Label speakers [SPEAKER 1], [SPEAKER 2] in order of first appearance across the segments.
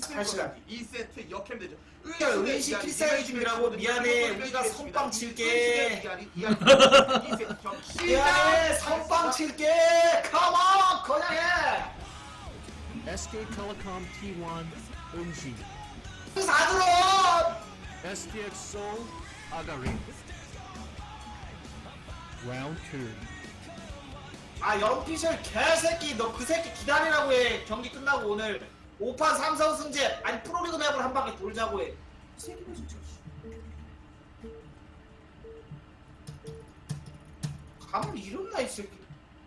[SPEAKER 1] 8시간
[SPEAKER 2] 2세트 역캠 되죠.
[SPEAKER 1] 은시 필살기 중이라고. 미안해, 우리가 선빵 칠게. 미안해, 선빵 칠게. 컴온, 그냥 해.
[SPEAKER 3] SK Telecom T1 은시,
[SPEAKER 1] 사드론.
[SPEAKER 3] STX Seoul Agarin. Round 2.
[SPEAKER 1] 아, 연피셜 개새끼. 너 그 새끼 기다리라고 해. 경기 끝나고 오늘 5판 3선 승제. 아니, 프로리그 맵을 한 바퀴 돌자고 해. 이 새끼는 진짜. 가만히 이런나, 이 새끼.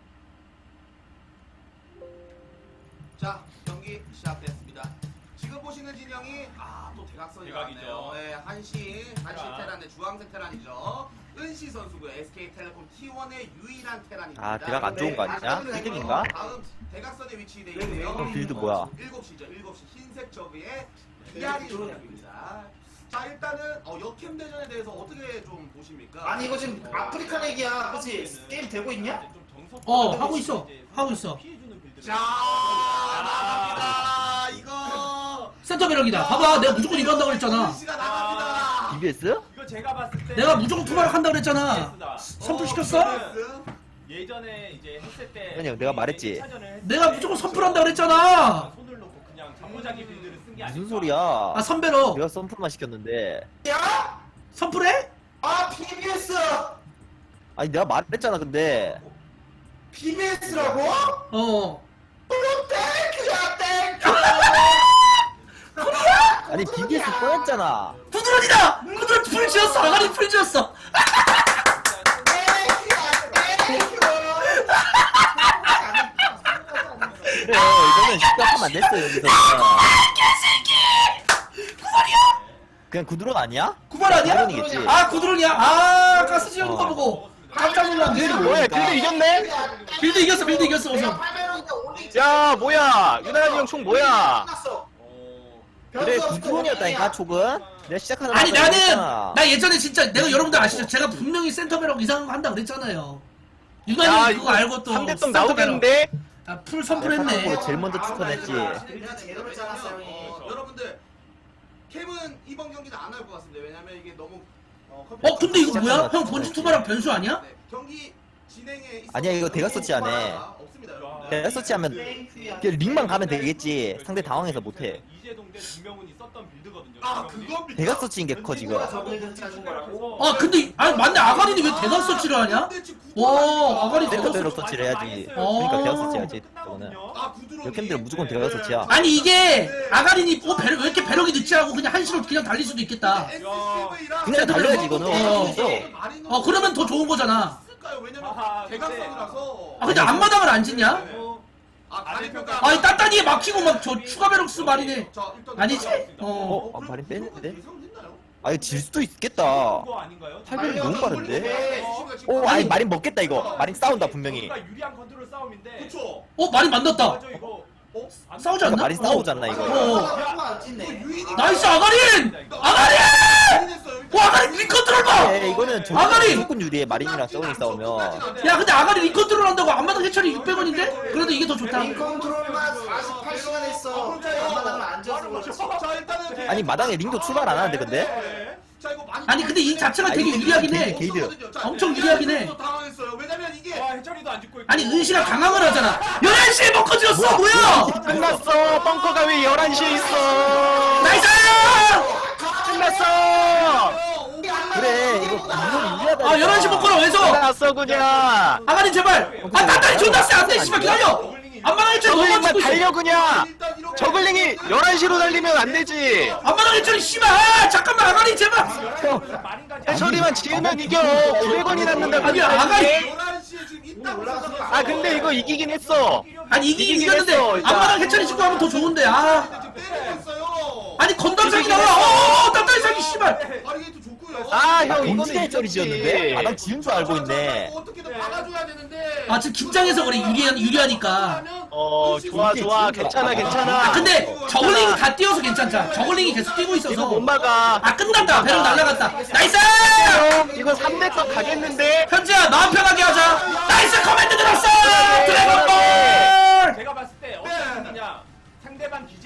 [SPEAKER 2] 자, 경기 시작됐습니다. 지금 보시는 진영이 또 대각선이
[SPEAKER 4] 대각이죠.
[SPEAKER 2] 나왔네요. 네, 한시 테란의 주황색 테란이죠. 은시 선수고요. SK텔레콤 T1의 유일한 테란입니다.
[SPEAKER 5] 아 대각 안 좋은 거 아니냐? 1등인가?
[SPEAKER 2] 다음 대각선에 위치되어 있고요.
[SPEAKER 5] 그럼 빌드 뭐야?
[SPEAKER 2] 7시죠. 7시 흰색 저그의 DR이 들어갑니다. 자, 일단은 역캠 대전에 대해서 어떻게 좀 보십니까?
[SPEAKER 1] 아니, 이거 지금 아프리카 얘기야. 그치? 게임 되고 있냐?
[SPEAKER 6] 하고 있어. 하고 있어.
[SPEAKER 2] 자, 나갑니다. 이거
[SPEAKER 6] 센터 배럭이다. 봐봐, 내가 무조건 이거 한다고 그랬잖아.
[SPEAKER 2] 은시가 나갑니다.
[SPEAKER 5] BBS?
[SPEAKER 4] 이거 제가 봤을 때
[SPEAKER 6] 내가 무조건 투마락 한다고 그랬잖아. 선풀 시켰어?
[SPEAKER 4] 예전에 이제 했을 때
[SPEAKER 5] 아니요, 내가 말했지.
[SPEAKER 6] 내가 무조건 선풀 한다고 그랬잖아.
[SPEAKER 4] 손을 놓고 그냥 장모자기 빌드를 쓴 게 아니야.
[SPEAKER 5] 무슨 소리야?
[SPEAKER 6] 아, 선배로.
[SPEAKER 5] 내가 썬풀만 시켰는데.
[SPEAKER 1] 야?
[SPEAKER 6] 선풀해?
[SPEAKER 1] 아, BBS!
[SPEAKER 5] 아니 내가 말했잖아 근데.
[SPEAKER 1] BBS라고?
[SPEAKER 6] 어.
[SPEAKER 1] 땡큐야, 땡큐!
[SPEAKER 5] 아니 BBS 뻔했잖아.
[SPEAKER 6] 구드론이다! 구드론 풀 지었어. 아가리 풀 지었어.
[SPEAKER 5] 그래 이거는 시작하면 안 됐어 여기서. 그냥 구드론 아니야?
[SPEAKER 6] 구발 아니야?
[SPEAKER 5] 구드론이겠지.
[SPEAKER 6] 아, 구드론이야? 아, 가스 지르는 거 보고. 깜짝 놀랐네.
[SPEAKER 5] 뭐야 빌드 이겼네?
[SPEAKER 6] 빌드 이겼어, 우선.
[SPEAKER 5] 야 뭐야 유나연이 형 총 뭐야?
[SPEAKER 1] 끝났어.
[SPEAKER 5] 그래 구드론이었다니까 촉은. 내가 시작하는
[SPEAKER 6] 아니,
[SPEAKER 5] 거
[SPEAKER 6] 나는,
[SPEAKER 5] 얘기했잖아.
[SPEAKER 6] 나 예전에 진짜, 내가 여러분들 아시죠? 제가 분명히 센터 배럭 이상한 거 한다 그랬잖아요.
[SPEAKER 5] 야
[SPEAKER 6] 유난히 그거
[SPEAKER 5] 이거
[SPEAKER 6] 알고 또.
[SPEAKER 5] 3대떡
[SPEAKER 6] 센터
[SPEAKER 5] 나오겠는데?
[SPEAKER 6] 배럭. 아, 풀 선풀했네.
[SPEAKER 5] 내가 제일 먼저 추천했지.
[SPEAKER 1] 제대로 짜놨어요, 형이.
[SPEAKER 2] 여러분들 캠은 이번 경기는 안 할 것 같습니다. 왜냐면 이게 너무
[SPEAKER 6] 근데 이거 뭐야? 형 본진 투마락 변수 아니야?
[SPEAKER 2] 네, 경기 진행에 있어서
[SPEAKER 5] 아니야, 이거 대각 서치 안 해.
[SPEAKER 2] 없습니다, 여러분들.
[SPEAKER 5] 내가 서치하면 그냥 링만 가면 되겠지. 상대 당황해서 못해.
[SPEAKER 4] 이재동 대 김명훈이 썼던 빌드거든요.
[SPEAKER 2] 아, 그거
[SPEAKER 5] 대각 서치인 게 커 지금.
[SPEAKER 1] 저글링 짜준 거라고?
[SPEAKER 6] 아, 근데, 아니, 맞네. 아가리는 왜 대각 서치를 하냐? 와, 아가리
[SPEAKER 5] 센터
[SPEAKER 6] 대각
[SPEAKER 5] 배럭
[SPEAKER 6] 서치.
[SPEAKER 5] 서치를 해야지.
[SPEAKER 6] 어.
[SPEAKER 5] 그러니까 대각 서치 해야지. 저거는.
[SPEAKER 2] 아, 구드론이.
[SPEAKER 5] 역캠들은 무조건 대각 서치야.
[SPEAKER 6] 아니, 이게, 아가린이, 왜 이렇게 배럭이 늦지 하고 그냥 한시로 그냥 달릴 수도 있겠다.
[SPEAKER 2] SCV랑
[SPEAKER 5] 그냥 달려야지 이거는.
[SPEAKER 6] 그러면 더 좋은 거잖아.
[SPEAKER 2] 왜냐면
[SPEAKER 4] 아하,
[SPEAKER 2] 대각선이라서.
[SPEAKER 6] 아, 근데 앞마당을 안 짓냐?
[SPEAKER 2] 가리평가.
[SPEAKER 6] 아니, 따따니에 막히고 막 저 추가 배럭스 말이네. 아니지?
[SPEAKER 5] 발이 뺐는데? 아 이거 질 수도 있겠다.
[SPEAKER 4] 그거 아닌가요?
[SPEAKER 5] 탈변이 너무 빠른데? 아니 마린 먹겠다 이거. 마린 싸운다 분명히.
[SPEAKER 4] 그러니까 유리한 컨트롤 싸움인데.
[SPEAKER 2] 그쵸.
[SPEAKER 6] 말이 만났다.
[SPEAKER 4] 맞아 이거.
[SPEAKER 6] 싸우지
[SPEAKER 5] 그러니까
[SPEAKER 6] 않나?
[SPEAKER 5] 마린 싸우지 않나 이거.
[SPEAKER 1] 안 찢네.
[SPEAKER 6] 나이스, 아가린! 아가린! 와, 아가린 리컨트롤 봐!
[SPEAKER 5] 네, 이거는
[SPEAKER 6] 아가리!
[SPEAKER 5] 무조건 유리해. 마린이랑 서운이 싸우면.
[SPEAKER 6] 야, 근데 아가리 리컨트롤 한다고 앞마당 해처리 600원인데? 그래도 이게 더 좋다.
[SPEAKER 1] 링 컨트롤만 48시간 했어. 앞마당을 앉아서 그렇지.
[SPEAKER 2] 자, 일단은
[SPEAKER 5] 아니 마당에 링도 출발 안 하는데 근데?
[SPEAKER 2] 자, 이거 많이
[SPEAKER 6] 아니, 근데 이 자체가 되게 유리하긴 해.
[SPEAKER 5] 게이드.
[SPEAKER 6] 엄청 유리하긴 해.
[SPEAKER 2] 당황했어요. 왜냐면 이게
[SPEAKER 4] 와 해철이도 안 죽고 있고.
[SPEAKER 6] 아니, 은시가 강함을 하잖아. 11시에 벙커 지었어! 뭐야!
[SPEAKER 5] 끝났어. 벙커가 왜 11시에 있어?
[SPEAKER 6] 나이스!
[SPEAKER 5] 끝났어. 그래 이거 무슨 유리하다.
[SPEAKER 6] 아, 11시 벙커라, 왼손!
[SPEAKER 5] 끝났어 그냥.
[SPEAKER 6] 아가린 제발! 아, 따따리 존나 세! 안 돼! 씨발, 기다려! 앞마당 해처리 너무
[SPEAKER 5] 저글링만
[SPEAKER 6] 찍고 있어!
[SPEAKER 5] 달려 그냥.
[SPEAKER 2] 일단 이렇게
[SPEAKER 5] 저글링이 11시로 달리면 안 되지.
[SPEAKER 6] 앞마당 해처리 씨발! 아, 잠깐만, 아가린 제발!
[SPEAKER 4] 마린까지
[SPEAKER 5] 해처리만 지으면 이겨. 900원이 남는다고.
[SPEAKER 6] 아니, 아가리!
[SPEAKER 2] 11시에 지금 있다고 생각해서
[SPEAKER 5] 아 근데 이거 이기긴 했어.
[SPEAKER 6] 아니, 이기긴
[SPEAKER 5] 이기긴
[SPEAKER 6] 이겼는데,
[SPEAKER 5] 했어, 일단.
[SPEAKER 6] 앞마당 해처리 찍고 하면 더 좋은데, 아.
[SPEAKER 2] 지금 때리고 있어요.
[SPEAKER 6] 아니, 건담상이 나와! 따따리 상이 씨발!
[SPEAKER 2] 바리게이트 좋고요.
[SPEAKER 5] 아 형 이거는 해처리 지었는데. 마당 지은 줄 알고 있네.
[SPEAKER 2] 어떻게든 받아줘야 되는데.
[SPEAKER 6] 아, 지금 긴장해서 그래, 유리하니까.
[SPEAKER 5] 좋아 괜찮아
[SPEAKER 6] 아, 근데 저글링이 다 뛰어서 괜찮자. 저글링이 계속 뛰고 있어서.
[SPEAKER 5] 이거 못 막아.
[SPEAKER 6] 아, 끝났다. 배럭 날라갔다. 나이스!
[SPEAKER 5] 이거 300건 가겠는데?
[SPEAKER 6] 현지야, 마음 편하게 하자. 나이스 커맨드 들었어! 드래곤볼!
[SPEAKER 4] 제가 봤을 때 어떤 분이냐 상대방 기지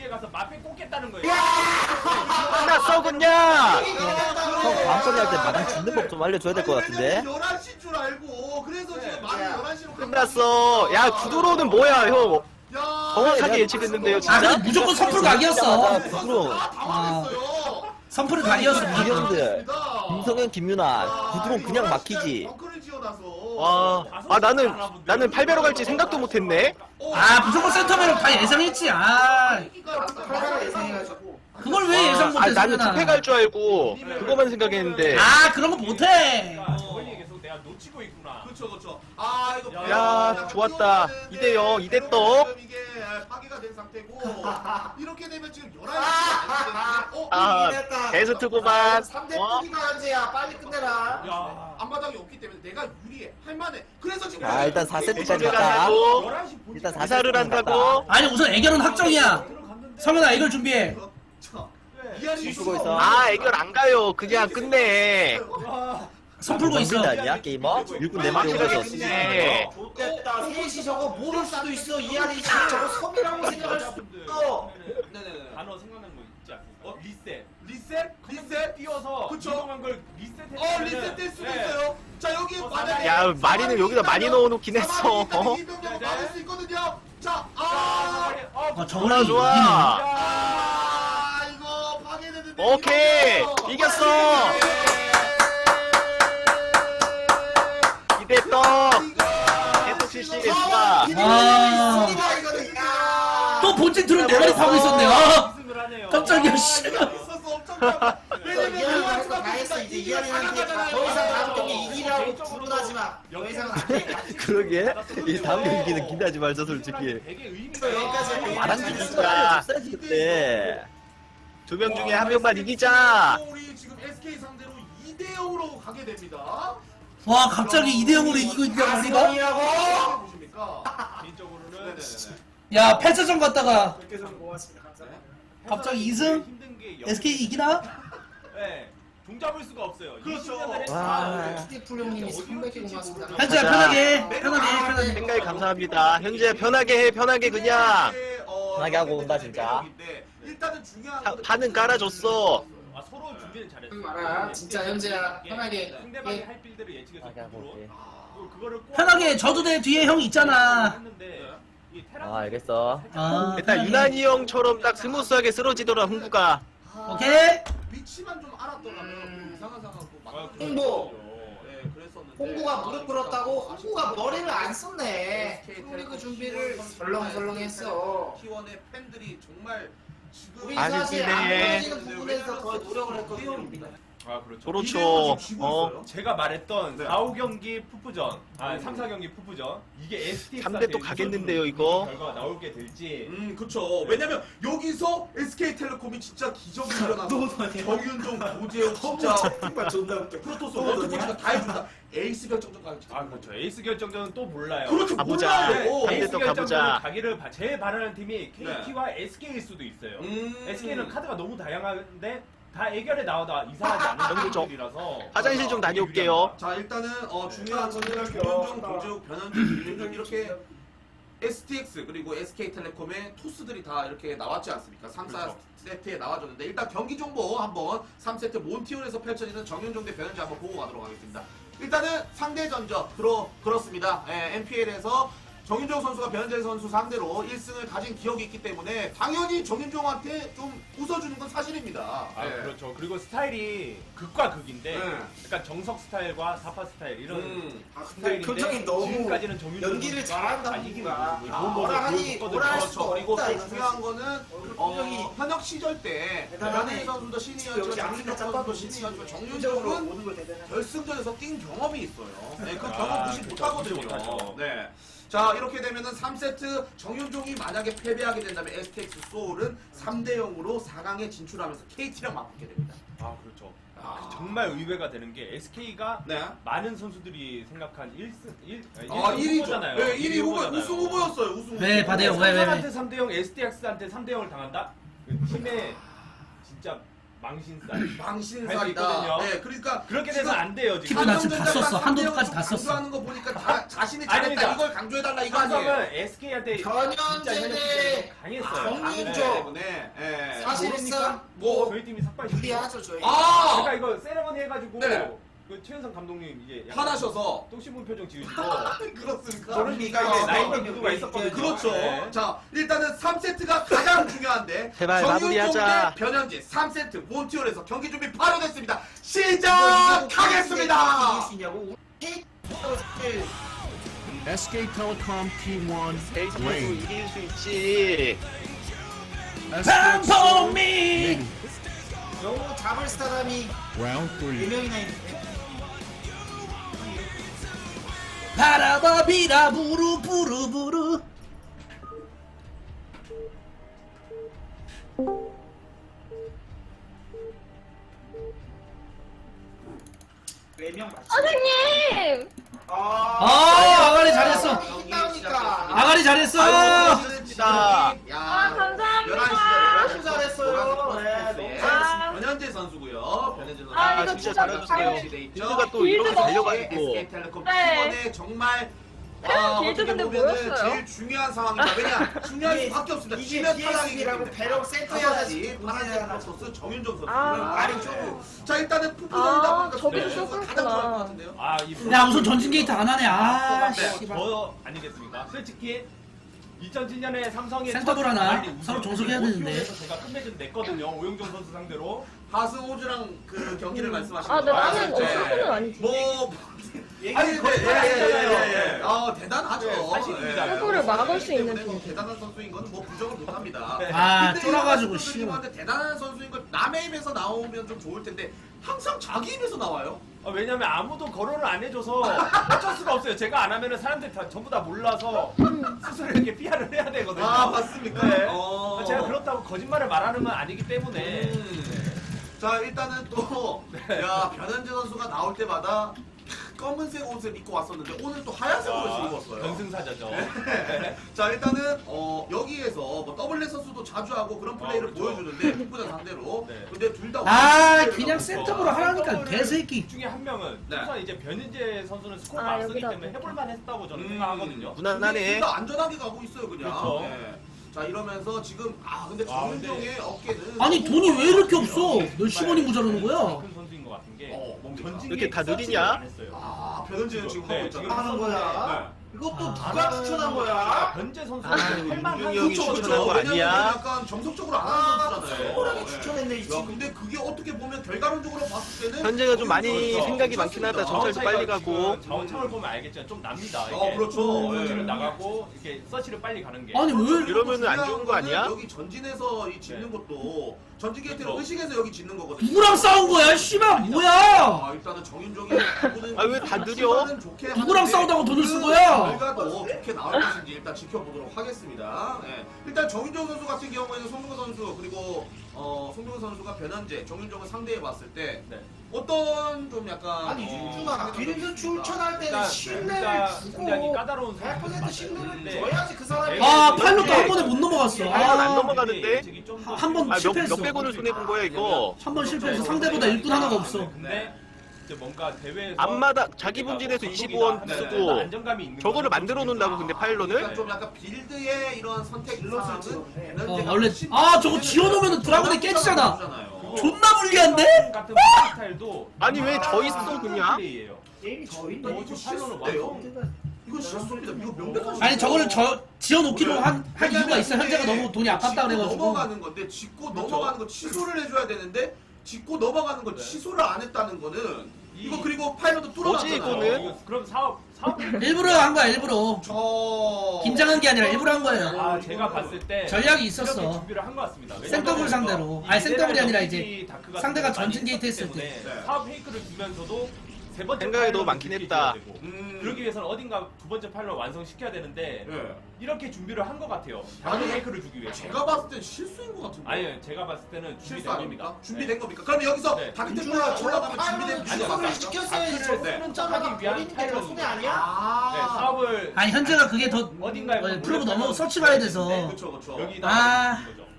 [SPEAKER 4] 도시에 가서 마페 꽂겠다는 거예요.
[SPEAKER 5] 끝났어 그냥. 형 밤소리 할 때 마당 짓는 법 좀 알려줘야 될 것 같은데.
[SPEAKER 2] 11시인 줄 알고 그래서 지금 말이 11시로
[SPEAKER 7] 끝났어. 야 구도로는 뭐야 형?
[SPEAKER 2] 야,
[SPEAKER 7] 정확하게 예측했는데요
[SPEAKER 6] 아
[SPEAKER 7] 진짜.
[SPEAKER 6] 근데 무조건 선풀 각이었어.
[SPEAKER 5] 구드로.
[SPEAKER 2] 다 당황했어요.
[SPEAKER 6] 선풀은 각이었어. 무조건.
[SPEAKER 5] 이형들. 김성현, 김윤아. 구드론 그냥 막히지.
[SPEAKER 2] 벙커를 지어놔서.
[SPEAKER 7] 와, 나는 8배로 갈지 생각도 못했네.
[SPEAKER 6] 아 무조건 센터맨은 다 예상했지. 아
[SPEAKER 1] 팔바를 예상해가지고.
[SPEAKER 6] 그걸 왜 예상
[SPEAKER 7] 아
[SPEAKER 6] 못했어?
[SPEAKER 7] 나는 투패 갈 줄 알고 그거만 생각했는데.
[SPEAKER 6] 아 그런 거 못해.
[SPEAKER 4] 그러니까 저번에 계속 내가 놓치고 있구나.
[SPEAKER 2] 그렇죠. 아 이거
[SPEAKER 7] 야, 좋았다. 2대0, 2대 떡.
[SPEAKER 2] 지금 이게 파괴가 된 상태고 이렇게 되면 지금 11시
[SPEAKER 7] 아, 베스트구만.
[SPEAKER 1] 3대
[SPEAKER 7] 어?
[SPEAKER 1] 뿌리가 현재야. 빨리 끝내라.
[SPEAKER 4] 야.
[SPEAKER 2] 앞마당이 없기 때문에 내가 유리해 할만해. 그래서 지금
[SPEAKER 5] 자 일단 4세트까지
[SPEAKER 7] 이사를
[SPEAKER 5] 갔다.
[SPEAKER 7] 한다고.
[SPEAKER 4] 11시 본진
[SPEAKER 5] 일단
[SPEAKER 7] 이사를
[SPEAKER 5] 4세트까지
[SPEAKER 7] 한다고.
[SPEAKER 6] 아니 우선 애결은 확정이야.
[SPEAKER 4] 들어갔는데.
[SPEAKER 6] 성현아 애결 준비해.
[SPEAKER 2] 자,
[SPEAKER 4] 네.
[SPEAKER 2] 이하리
[SPEAKER 5] 쓰고 있어.
[SPEAKER 7] 아 애결 안 가요. 그냥 끝내.
[SPEAKER 4] 와.
[SPEAKER 6] 손 풀고 있어.
[SPEAKER 5] 정신 아니야 게이머? 일꾼 내 마리
[SPEAKER 7] 확실하게
[SPEAKER 5] 오면서.
[SPEAKER 7] 끝내.
[SPEAKER 1] 좋겠다. 셋이 저거 모를 수도 있어. 이하리 저거 섬이라고 생각할 수도 있어.
[SPEAKER 2] 네네네.
[SPEAKER 4] 단어 생각난 거 있지 않습니까? 리셋.
[SPEAKER 2] 리셋
[SPEAKER 4] 뛰어서
[SPEAKER 2] 그쵸.
[SPEAKER 4] 이동한 걸 리셋해.
[SPEAKER 2] 리셋될 수도 있어요. 자 여기 만약에
[SPEAKER 7] 야 마리는 여기다 많이 넣어놓긴 했어.
[SPEAKER 2] 이병력 막을 수 있거든요. 자,
[SPEAKER 6] 저걸로
[SPEAKER 7] 좋아.
[SPEAKER 6] 이기네.
[SPEAKER 2] 이거 파괴되는데.
[SPEAKER 7] 오케이 이겼어. 2대 떡. 계속 실시 좋아.
[SPEAKER 6] 아. 또 본진 드론 네 마리 타고 있었네. 아
[SPEAKER 4] 우승을 하네요.
[SPEAKER 6] 깜짝이야 씨.
[SPEAKER 2] 있었어 엄청 깜짝. 왜냐면
[SPEAKER 1] 이하리는
[SPEAKER 2] 이하리가
[SPEAKER 1] 할거 다 했어. 이제
[SPEAKER 2] 이기면
[SPEAKER 1] 이하리한테
[SPEAKER 2] 가능하잖아요.
[SPEAKER 1] 더 이상 다음 경기 이기라고 주문하지 마. 더 이상은 안 돼.
[SPEAKER 5] 그러게. 이 다음 경기는 기대하지 말자 솔직히.
[SPEAKER 4] 되게 의미가
[SPEAKER 1] 여기까지
[SPEAKER 5] 마당
[SPEAKER 7] 진짜.
[SPEAKER 5] 짓는 거 알려줬어야지 그때.
[SPEAKER 7] 2명 중에 1명만 이기자.
[SPEAKER 2] 우리 지금 SK 상대로 2대 0으로 가게 됩니다.
[SPEAKER 6] 와 갑자기 2대 0으로 이기고 있냐 우리가?
[SPEAKER 1] 가성이라고?
[SPEAKER 2] 보십니까?
[SPEAKER 4] 개인적으로는
[SPEAKER 2] 네네네.
[SPEAKER 6] 야 8차전 갔다가
[SPEAKER 1] 그렇게 해서 고맙습니다. 감사합니다.
[SPEAKER 6] 갑자기 2승?
[SPEAKER 4] 힘든 게
[SPEAKER 6] SK 이기나?
[SPEAKER 4] 네. 종잡을 수가 없어요.
[SPEAKER 2] 그렇죠.
[SPEAKER 4] 20년 전에
[SPEAKER 5] 와.
[SPEAKER 1] 스티플용님이 300개 고맙습니다.
[SPEAKER 6] 현재야
[SPEAKER 7] 가자.
[SPEAKER 6] 편하게.
[SPEAKER 7] 생각이 감사합니다. 현재 편하게 해 편하게 그냥.
[SPEAKER 5] 편하게 하고 온다, 진짜.
[SPEAKER 2] 일단은 중요한
[SPEAKER 7] 판은 깔아줬어.
[SPEAKER 4] 아, 서로 준비는 잘했어.
[SPEAKER 1] 알아. 진짜 현재야. 편하게.
[SPEAKER 4] 상대방이
[SPEAKER 1] 예.
[SPEAKER 4] 할 빌드를 예측해서
[SPEAKER 5] 편하게 하고 올게.
[SPEAKER 4] 그거를 꼭
[SPEAKER 6] 편하게 져도 돼 뒤에 형 있잖아.
[SPEAKER 4] 했는데 이 테란
[SPEAKER 5] 아 알겠어.
[SPEAKER 6] 아,
[SPEAKER 7] 일단 유난히 형처럼 딱 스무스하게 쓰러지더라 흥구가.
[SPEAKER 6] 오케이.
[SPEAKER 2] 위치만 좀 알았더라면 이상한 상황도
[SPEAKER 1] 홍보.
[SPEAKER 2] 네, 그랬었는데.
[SPEAKER 1] 홍구가 무릎 꿇었다고 홍구가 머리를 안 썼네. 프로리그 준비를 설렁설렁 했어.
[SPEAKER 2] T1의 팬들이 정말 지금
[SPEAKER 1] 우리
[SPEAKER 7] 아쉽네.
[SPEAKER 1] 사실 안 보여지는 부분에서 더 노력을 했거든요.
[SPEAKER 4] 아, 그렇죠.
[SPEAKER 7] 그렇죠.
[SPEAKER 4] 제가 말했던
[SPEAKER 2] 네.
[SPEAKER 4] 4, 5경기 푸푸전, 3, 4경기 푸푸전 이게 STX
[SPEAKER 7] 3대 또 가겠는데요, 이거?
[SPEAKER 4] 결과가 나오게 될지
[SPEAKER 2] 그쵸. 왜냐면 여기서 SK텔레콤이 진짜 기적이 일어나서 정윤종, 도재욱 진짜
[SPEAKER 1] 정말 존나 웃겨.
[SPEAKER 2] 프로토스 원투포지가 다 해준다. 에이스 결정전까지.
[SPEAKER 4] 아, 그렇죠. 에이스 결정전은 또 몰라요.
[SPEAKER 2] 그렇죠.
[SPEAKER 7] 가보자.
[SPEAKER 2] 몰라요.
[SPEAKER 7] 네.
[SPEAKER 4] 에이스
[SPEAKER 7] 또
[SPEAKER 4] 결정전은
[SPEAKER 7] 가보자.
[SPEAKER 4] 가기를 제일 바라는 팀이 KT와 SK일 수도 있어요. SK는 카드가 너무 다양한데 다 애결에 나오다 이상하지 않은
[SPEAKER 7] 정도죠.
[SPEAKER 4] 경기들이라서
[SPEAKER 7] 화장실 좀 다녀올게요.
[SPEAKER 2] 자 일단은 중요한 점들은 김윤종, 도재욱, 변현준, 김윤종 이렇게 STX 그리고 SK텔레콤의 토스들이 다 이렇게 나왔지 않습니까? 3, 4세트에 나와줬는데 일단 경기 정보 한번 3세트 몬티올에서 펼쳐지는 정윤종 대 변현재 한번 보고 가도록 하겠습니다. 일단은 상대 전적 그렇습니다. NPL에서 정윤종 선수가 변현재 선수 상대로 1승을 가진 기억이 있기 때문에 당연히 정윤종한테 좀 웃어주는 건 사실입니다.
[SPEAKER 4] 아,
[SPEAKER 2] 네.
[SPEAKER 4] 그렇죠. 그리고 스타일이 극과 극인데
[SPEAKER 2] 네.
[SPEAKER 4] 약간 정석 스타일과 사파 스타일 이런
[SPEAKER 1] 아 근데
[SPEAKER 4] 스타일인데
[SPEAKER 1] 표정이 너무
[SPEAKER 4] 지금까지는 정윤종
[SPEAKER 1] 연기를
[SPEAKER 4] 선수가
[SPEAKER 1] 잘한다
[SPEAKER 4] 잘 이기는
[SPEAKER 1] 보니까.
[SPEAKER 4] 거죠.
[SPEAKER 1] 아,
[SPEAKER 4] 뭐
[SPEAKER 1] 뭐라 하니
[SPEAKER 4] 보여줬거든요.
[SPEAKER 1] 뭐라 할
[SPEAKER 2] 그렇죠.
[SPEAKER 1] 수가
[SPEAKER 2] 그리고
[SPEAKER 1] 없다.
[SPEAKER 2] 또
[SPEAKER 1] 이거
[SPEAKER 2] 중요한
[SPEAKER 1] 사실.
[SPEAKER 2] 거는
[SPEAKER 1] 표정이
[SPEAKER 2] 현역 시절 때
[SPEAKER 1] 대단하네.
[SPEAKER 2] 변현재 선수도
[SPEAKER 1] 여기
[SPEAKER 2] 신이었지만
[SPEAKER 1] 아프리카
[SPEAKER 2] 정윤종 선수도
[SPEAKER 1] 짬밥도
[SPEAKER 2] 신이었지만
[SPEAKER 1] 정윤적으로
[SPEAKER 2] 정윤종은
[SPEAKER 1] 모든 걸 대단해.
[SPEAKER 2] 결승전에서 뛴 경험이 있어요. 네, 그
[SPEAKER 4] 아,
[SPEAKER 2] 경험 무시
[SPEAKER 4] 그렇죠.
[SPEAKER 2] 못하거든요.
[SPEAKER 4] 무시 못하죠.
[SPEAKER 2] 네. 자 이렇게 되면은 3세트 정윤종이 만약에 패배하게 된다면 STX 소울은 3대 0으로 4강에 진출하면서 KT랑 맞붙게 됩니다.
[SPEAKER 4] 아, 그렇죠. 정말 의외가 되는 게 SK가
[SPEAKER 2] 네.
[SPEAKER 4] 많은 선수들이 생각한 1승
[SPEAKER 2] 1위죠. 네, 1위 후보, 우승 후보였어요. 우승 후보.
[SPEAKER 6] 왜 받아요? 왜?
[SPEAKER 4] 삼성한테 3대 0, STX한테 3대 0을 당한다? 그 팀의 진짜 망신살.
[SPEAKER 2] 망신살이다.
[SPEAKER 4] 있거든요.
[SPEAKER 2] 네, 그러니까
[SPEAKER 4] 그렇게 돼서 안 돼요 지금.
[SPEAKER 6] 키도 나 지금 다 썼어. 한도까지 다 썼어.
[SPEAKER 2] 강조하는 거 보니까 자신이 잘했다
[SPEAKER 4] 아닙니다.
[SPEAKER 2] 이걸 강조해달라 이거 아니에요?
[SPEAKER 4] 삼성은 SK한테
[SPEAKER 1] 변현재는
[SPEAKER 4] 강했어요.
[SPEAKER 1] 정민조.
[SPEAKER 2] 때문에 예.
[SPEAKER 1] 사실상
[SPEAKER 2] 뭐
[SPEAKER 4] 저희 팀이 삭발시켰어요.
[SPEAKER 1] 유리하죠 저희.
[SPEAKER 2] 아!
[SPEAKER 4] 제가 이거 세레머니 해가지고
[SPEAKER 2] 네.
[SPEAKER 4] 그 최현성 감독님 이제 약간
[SPEAKER 2] 화나셔서
[SPEAKER 4] 똥 씹은 표정 지으시고
[SPEAKER 2] 그렇습니까?
[SPEAKER 4] 저런 리가 이제 나이가 누구가 있었거든요.
[SPEAKER 2] 그렇죠.
[SPEAKER 4] 네.
[SPEAKER 2] 자, 일단은 3세트가 가장 중요한데
[SPEAKER 5] 제발
[SPEAKER 2] 정윤종
[SPEAKER 5] 마무리하자.
[SPEAKER 2] 대 변현재 3세트 몬티올에서 경기 준비 바로 됐습니다. 시작하겠습니다.
[SPEAKER 3] SK Telecom T1
[SPEAKER 5] 베이스에서
[SPEAKER 3] Wing.
[SPEAKER 5] 이길 수 있지.
[SPEAKER 3] STX Seoul
[SPEAKER 6] 방송민
[SPEAKER 3] Navy.
[SPEAKER 1] 영웅 잡을 사람이
[SPEAKER 3] Round 3.
[SPEAKER 1] 4명이나 있는데.
[SPEAKER 6] 바라바비라 부르부르부르.
[SPEAKER 1] 네명 맞지?
[SPEAKER 8] 선생님!
[SPEAKER 6] 아가리 잘했어.
[SPEAKER 1] 이기니까.
[SPEAKER 6] 아가리 잘했어.
[SPEAKER 2] 아,
[SPEAKER 8] 감사합니다.
[SPEAKER 1] 너무 잘했어요. 네, 너무
[SPEAKER 8] 잘했어요.
[SPEAKER 2] 변현재 선수고요. 변현재 선수.
[SPEAKER 8] 아,
[SPEAKER 5] 이거 진짜 잘해줬어요. 빌드가 또
[SPEAKER 8] 빌드가
[SPEAKER 5] 이렇게 달려가지고.
[SPEAKER 2] SK텔레콤
[SPEAKER 8] 네.
[SPEAKER 2] 이번에 정말
[SPEAKER 8] 빌드
[SPEAKER 2] 어떻게
[SPEAKER 8] 근데
[SPEAKER 2] 보면은
[SPEAKER 8] 뭐였어요?
[SPEAKER 2] 제일 중요한 상황입니다. 왜냐? 중요할
[SPEAKER 1] 이게-
[SPEAKER 2] 수밖에 없습니다.
[SPEAKER 1] 이게
[SPEAKER 2] 지면 탈락이기
[SPEAKER 1] DS라고
[SPEAKER 2] 때문에.
[SPEAKER 1] 배럭 세트해야
[SPEAKER 2] 다시
[SPEAKER 1] 되지.
[SPEAKER 2] 파란색 선수 정윤종 선수.
[SPEAKER 8] 아.
[SPEAKER 2] 아래쪽으로. 자 일단은 푸푸전이다
[SPEAKER 8] 아,
[SPEAKER 2] 보니까
[SPEAKER 8] 저기도
[SPEAKER 2] 선수가
[SPEAKER 8] 쇼크구나.
[SPEAKER 2] 가장 좋아할 것 같은데요.
[SPEAKER 6] 야 우선 전진 게이트 안 하네. 아 씨발.
[SPEAKER 4] 저 아니겠습니까? 솔직히 2007년에 삼성의
[SPEAKER 6] 센터볼 하나 서로 종속해야 되는데.
[SPEAKER 4] 오티오에서 제가 끝맺은 냈거든요. 오영종 선수 상대로.
[SPEAKER 2] 하스호주랑 그 경기를 말씀하시는
[SPEAKER 8] 아, 근데
[SPEAKER 2] 거죠?
[SPEAKER 8] 나는
[SPEAKER 2] 네.
[SPEAKER 8] 어수선은 아니지.
[SPEAKER 2] 뭐
[SPEAKER 1] 얘기
[SPEAKER 2] 아니 근데 예예예예. 대단하죠.
[SPEAKER 4] 네, 사실입니다.
[SPEAKER 8] 승부를 막을 수 있는
[SPEAKER 2] 때문에 뭐
[SPEAKER 8] 팀.
[SPEAKER 2] 대단한 선수인 거는 뭐 부정을 못 합니다.
[SPEAKER 6] 아
[SPEAKER 2] 근데
[SPEAKER 6] 쫄아가지고
[SPEAKER 2] 이런
[SPEAKER 6] 씨.
[SPEAKER 2] 선수님한테 대단한 선수인 건 남의 입에서 나오면 좀 좋을 텐데 항상 자기 입에서 나와요.
[SPEAKER 4] 왜냐면 아무도 거론을 안 해줘서 어쩔 수가 없어요. 제가 안 하면은 사람들이 다 전부 다 몰라서 스스로 이렇게 PR을 해야 되거든요.
[SPEAKER 2] 아 맞습니까?
[SPEAKER 4] 네.
[SPEAKER 2] 어.
[SPEAKER 4] 제가 그렇다고 거짓말을 말하는 건 아니기 때문에.
[SPEAKER 2] 자 일단은 또 야 변현재 선수가 나올 때마다 검은색 옷을 입고 왔었는데 오늘 또 하얀색 옷을 입었어요.
[SPEAKER 4] 변승사자죠.
[SPEAKER 2] 자 일단은 여기에서 뭐 더블렛 선수도 자주 하고 그런 플레이를
[SPEAKER 4] 그렇죠.
[SPEAKER 2] 보여주는데 흑부전 상대로
[SPEAKER 4] 네.
[SPEAKER 2] 근데 둘 다
[SPEAKER 6] 아 그냥 센터으로 하라니까 개새끼.
[SPEAKER 4] 중에 한 명은
[SPEAKER 2] 네.
[SPEAKER 4] 우선 이제 변인재 선수는 스코어가
[SPEAKER 8] 아,
[SPEAKER 4] 앞서기
[SPEAKER 8] 여기다
[SPEAKER 4] 때문에
[SPEAKER 8] 또.
[SPEAKER 4] 해볼만 했다고 저는 생각하거든요.
[SPEAKER 5] 무난하네.
[SPEAKER 2] 둘다 안전하게 가고 있어요 그냥.
[SPEAKER 4] 그렇죠.
[SPEAKER 2] 네. 자 이러면서 지금 근데
[SPEAKER 4] 와,
[SPEAKER 2] 정윤종의 어깨는
[SPEAKER 6] 아니 돈이 왜 이렇게 없어? 몇 10원이 모자라는 거야?
[SPEAKER 4] 큰 선수인 것 같은 게
[SPEAKER 2] 뭡니까?
[SPEAKER 4] 전진
[SPEAKER 5] 이렇게 다
[SPEAKER 4] 서치를
[SPEAKER 5] 느리냐?
[SPEAKER 4] 안 했어요.
[SPEAKER 2] 변현재는 지금
[SPEAKER 4] 네,
[SPEAKER 2] 하고
[SPEAKER 4] 지금
[SPEAKER 2] 있잖아.
[SPEAKER 1] 하는 거야. 이것도 누가 추천한 거야?
[SPEAKER 4] 변재 선수가
[SPEAKER 5] 아,
[SPEAKER 4] 할만한
[SPEAKER 5] 윤중이 형이
[SPEAKER 4] 선수죠.
[SPEAKER 5] 추천한 거 아니야?
[SPEAKER 2] 왜냐면 약간 정석적으로 안 하는 선수잖아요.
[SPEAKER 1] 소홀하게
[SPEAKER 2] 네.
[SPEAKER 1] 추천했네 이
[SPEAKER 2] 야,
[SPEAKER 1] 친구.
[SPEAKER 2] 근데 그게 어떻게 보면 결과론적으로 봤을 때는
[SPEAKER 5] 현재가 좀 많이
[SPEAKER 2] 그렇죠.
[SPEAKER 5] 생각이 많긴 하다. 정찰도 빨리 가고.
[SPEAKER 4] 자원창을 보면 알겠지만 좀 납니다.
[SPEAKER 2] 그렇죠.
[SPEAKER 4] 서치를
[SPEAKER 2] 네.
[SPEAKER 4] 나가고 이렇게 서치를 빨리 가는 게.
[SPEAKER 6] 아니 왜?
[SPEAKER 5] 이러면은 안 좋은 거 아니야?
[SPEAKER 2] 여기 전진에서 이 짓는 것도 전진 게이트를
[SPEAKER 4] 그렇죠.
[SPEAKER 2] 의식해서 여기 짓는 거거든요.
[SPEAKER 6] 누구랑 싸운 거야? 씨발 뭐야?
[SPEAKER 2] 일단은 정윤종이
[SPEAKER 5] 아, 왜다 느려?
[SPEAKER 6] 누구랑 싸우다가 돈을 쓴 거야?
[SPEAKER 2] 결과도 좋게 나올 것인지 일단 지켜보도록 하겠습니다. 네. 일단 정윤종 선수 같은 경우에는 송병호 선수 그리고 송병호 선수가 변현재, 정윤종을 상대해 봤을 때
[SPEAKER 4] 네.
[SPEAKER 2] 어떤 좀 약간
[SPEAKER 1] 아니 윤준아 빌드 출전할 때는
[SPEAKER 4] 일단
[SPEAKER 1] 신뢰를
[SPEAKER 4] 굉장히
[SPEAKER 1] 주고
[SPEAKER 4] 까다로운
[SPEAKER 1] 100% 신뢰를
[SPEAKER 4] 선수인데
[SPEAKER 1] 줘야지 그 사람이.
[SPEAKER 6] 아 파일럿도 한 번에 못 넘어갔어.
[SPEAKER 5] 안
[SPEAKER 6] 아,
[SPEAKER 5] 넘어가는데?
[SPEAKER 6] 한 번
[SPEAKER 5] 아,
[SPEAKER 6] 실패했어.
[SPEAKER 5] 몇백 원을 손해본 거야, 이거.
[SPEAKER 6] 한 번 실패해서 상대보다 일꾼 하나가 없어.
[SPEAKER 4] 근데 이제 뭔가 대회에서
[SPEAKER 5] 앞마다 자기 분진에서 25원 쓰고
[SPEAKER 4] 안정감이 있는
[SPEAKER 5] 저거를
[SPEAKER 4] 거는
[SPEAKER 5] 만들어 놓는다고 근데 파일런을?
[SPEAKER 2] 그러니까 좀 약간 빌드의 이런 선택 사항은 변현재가
[SPEAKER 6] 원래 저거 지어놓으면 드라곤이 깨지잖아.
[SPEAKER 4] 그리고
[SPEAKER 6] 존나 불리한데?
[SPEAKER 4] 같은 스타일도
[SPEAKER 5] 아니 왜 저 있어 그냥?
[SPEAKER 4] 플레이예요.
[SPEAKER 1] 게임이 저인데
[SPEAKER 2] 이거
[SPEAKER 4] 뭐
[SPEAKER 2] 실수예요. 이건 실수입니다. 이거 명백한
[SPEAKER 6] 아니 저거를 지어놓기로 한 이유가 있어. 현재가 너무 돈이 아깝다 그래가지고.
[SPEAKER 2] 넘어가는 건데 짚고
[SPEAKER 4] 그렇죠.
[SPEAKER 2] 넘어가는 거 취소를 해줘야 되는데 짚고 넘어가는 거
[SPEAKER 4] 네.
[SPEAKER 2] 취소를 안 했다는 거는 이거 그리고 파일럿도
[SPEAKER 5] 뭐지,
[SPEAKER 2] 뚫어놨잖아요.
[SPEAKER 5] 이거는?
[SPEAKER 4] 이거 그럼 사업
[SPEAKER 6] 일부러 한 거야 일부러.
[SPEAKER 2] 저
[SPEAKER 6] 긴장한 게 아니라 일부러 한 거예요.
[SPEAKER 4] 제가 봤을 때
[SPEAKER 6] 전략이
[SPEAKER 4] 이렇게
[SPEAKER 6] 있었어.
[SPEAKER 4] 준비를 한 것 같습니다.
[SPEAKER 6] 생더블 상대로. 아니, 생더블이 아니라 이제
[SPEAKER 4] 다크가
[SPEAKER 6] 상대가
[SPEAKER 4] 많이
[SPEAKER 6] 전진 게이트
[SPEAKER 4] 있었기
[SPEAKER 6] 했을 때.
[SPEAKER 4] 때문에
[SPEAKER 2] 네.
[SPEAKER 4] 사업 페이크를 주면서도 세 번째
[SPEAKER 5] 생각이
[SPEAKER 4] 파일럿을
[SPEAKER 5] 너무 많긴
[SPEAKER 4] 늦게
[SPEAKER 5] 했다.
[SPEAKER 4] 지어야 되고. 그러기 위해서는 어딘가 두 번째 파일럿 완성시켜야 되는데
[SPEAKER 2] 네.
[SPEAKER 4] 이렇게 준비를 한 것 같아요.
[SPEAKER 2] 아니,
[SPEAKER 4] 다크 페이크를 주기 위해서.
[SPEAKER 2] 제가 봤을 땐 실수인 것 같은데.
[SPEAKER 4] 아니요, 제가 봤을 때는
[SPEAKER 2] 실수
[SPEAKER 4] 준비된
[SPEAKER 2] 아닙니까?
[SPEAKER 4] 겁니다.
[SPEAKER 2] 준비된 겁니까? 그럼 여기서
[SPEAKER 4] 네.
[SPEAKER 2] 다크템플러가 올라가면 준비된
[SPEAKER 1] 취소를
[SPEAKER 2] 아니야?
[SPEAKER 1] 시켰어야지.
[SPEAKER 4] 다크를
[SPEAKER 1] 저거는 짜다가
[SPEAKER 4] 하기 위한
[SPEAKER 1] 버리는 게 더 손해 아니야?
[SPEAKER 4] 네, 사업을
[SPEAKER 6] 아니 현재가 그게 더
[SPEAKER 4] 어딘가에
[SPEAKER 6] 플로브 너무 서치 봐야 돼서.
[SPEAKER 2] 그렇죠.
[SPEAKER 4] 여기다
[SPEAKER 6] 아.
[SPEAKER 4] 거죠.